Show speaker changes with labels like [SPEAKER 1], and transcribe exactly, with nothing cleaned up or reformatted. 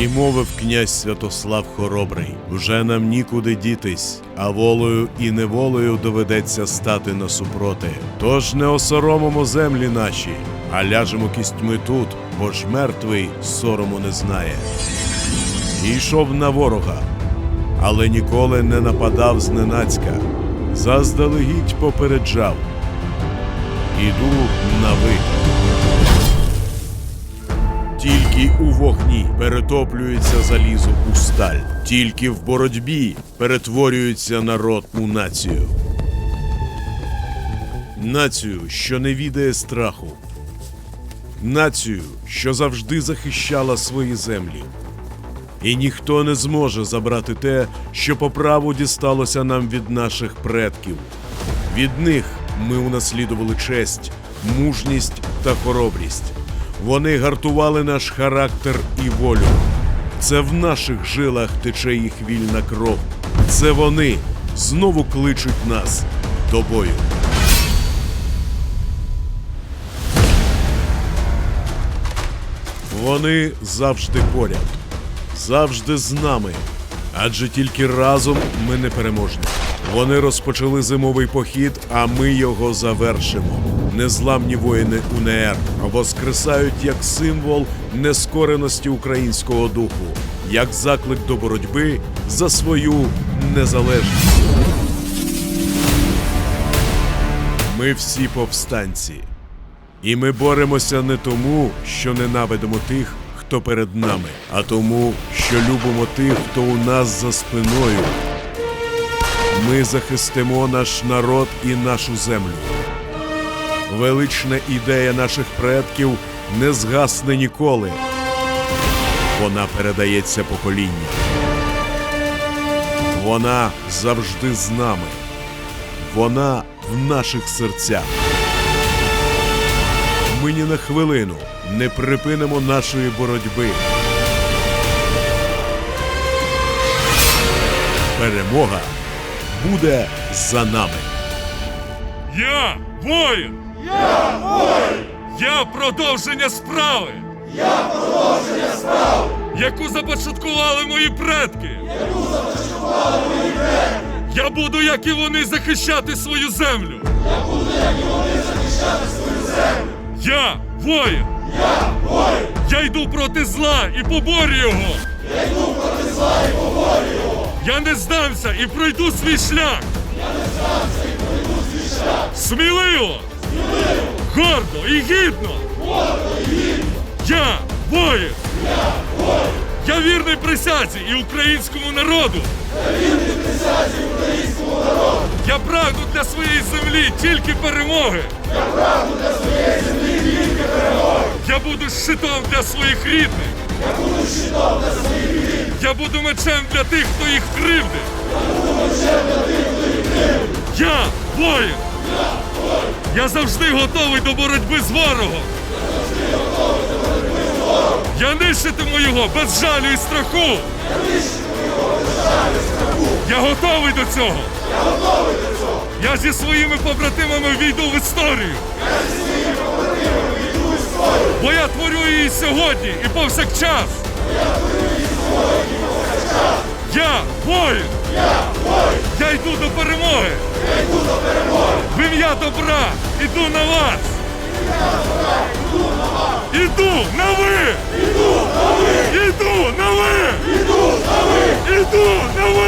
[SPEAKER 1] І мовив князь Святослав Хоробрий: «Вже нам нікуди дітись, а волею і неволею доведеться стати насупроти. Тож не осоромимо землі наші, а ляжемо кістьми тут, бо ж мертвий сорому не знає». І йшов на ворога, але ніколи не нападав зненацька, заздалегідь попереджав: «Іду на виклик». Тільки у вогні перетоплюється залізо у сталь, тільки в боротьбі перетворюється народ у націю. Націю, що не відає страху. Націю, що завжди захищала свої землі. І ніхто не зможе забрати те, що по праву дісталося нам від наших предків. Від них ми унаслідували честь, мужність та хоробрість. Вони гартували наш характер і волю. Це в наших жилах тече їх вільна кров. Це вони знову кличуть нас до бою. Вони завжди поряд, завжди з нами, адже тільки разом ми непереможні. Вони розпочали зимовий похід, а ми його завершимо. Незламні воїни УНР воскресають як символ нескореності українського духу, як заклик до боротьби за свою незалежність. Ми всі повстанці. І ми боремося не тому, що ненавидимо тих, хто перед нами, а тому, що любимо тих, хто у нас за спиною. Ми захистимо наш народ і нашу землю. Велична ідея наших предків не згасне ніколи. Вона передається поколінням. Вона завжди з нами. Вона в наших серцях. Ми ні на хвилину не припинимо нашої боротьби. Перемога буде за нами.
[SPEAKER 2] Я воїн!
[SPEAKER 3] Я воїн!
[SPEAKER 2] Я продовження справи!
[SPEAKER 3] Я продовження справи!
[SPEAKER 2] Яку започаткували мої предки!
[SPEAKER 3] Яку започаткували мої предки!
[SPEAKER 2] Я буду, як і вони, захищати свою землю!
[SPEAKER 3] Я буду, як і вони, захищати свою землю!
[SPEAKER 2] Я воїн!
[SPEAKER 3] Я воїн!
[SPEAKER 2] Я йду проти зла і поборю його!
[SPEAKER 3] Я йду проти зла і поборю його!
[SPEAKER 2] Я не здамся і пройду свій шлях!
[SPEAKER 3] Я не здамся і пройду свій шлях!
[SPEAKER 2] Сміливо!
[SPEAKER 3] Сміливо!
[SPEAKER 2] Гордо і гідно!
[SPEAKER 3] Гордо і гідно!
[SPEAKER 2] Я воїн!
[SPEAKER 3] Я воїн!
[SPEAKER 2] Я вірний присязі і українському народу!
[SPEAKER 3] Я вірний присязі українському народу!
[SPEAKER 2] Я прагну для своєї землі тільки перемоги!
[SPEAKER 3] Я прагну для своєї землі тільки перемоги!
[SPEAKER 2] Я буду щитом для своїх рідних!
[SPEAKER 3] Я буду щитом для своїх рідних!
[SPEAKER 2] Я буду мечем для тих, хто їх кривдить!
[SPEAKER 3] Я буду мечем для тих, хто їх кривдить!
[SPEAKER 2] Я воїн!
[SPEAKER 3] Я воїн!
[SPEAKER 2] Я завжди готовий до боротьби з ворогом!
[SPEAKER 3] Я завжди готовий до боротьби з ворогом!
[SPEAKER 2] Я нищитиму його без жалю і страху!
[SPEAKER 3] Я нищитиму його без жалю і страху!
[SPEAKER 2] Я готовий до цього!
[SPEAKER 3] Я готовий до цього!
[SPEAKER 2] Я зі своїми побратимами війду в історію!
[SPEAKER 3] Я зі своїми побратимами війду в історію!
[SPEAKER 2] Бо я творю її сьогодні і повсякчас!
[SPEAKER 3] Я творю її сьогодні і повсякчас!
[SPEAKER 2] Я воїн!
[SPEAKER 3] Я воїн!
[SPEAKER 2] Я йду до перемоги!
[SPEAKER 3] Я йду до перемоги!
[SPEAKER 2] В ім'я добра іду на вас!
[SPEAKER 3] Я добра йду на вас!
[SPEAKER 2] Іду на ви!
[SPEAKER 3] Іду на ви!
[SPEAKER 2] Іду на ви!
[SPEAKER 3] Іду на ви!
[SPEAKER 2] Іду на ви!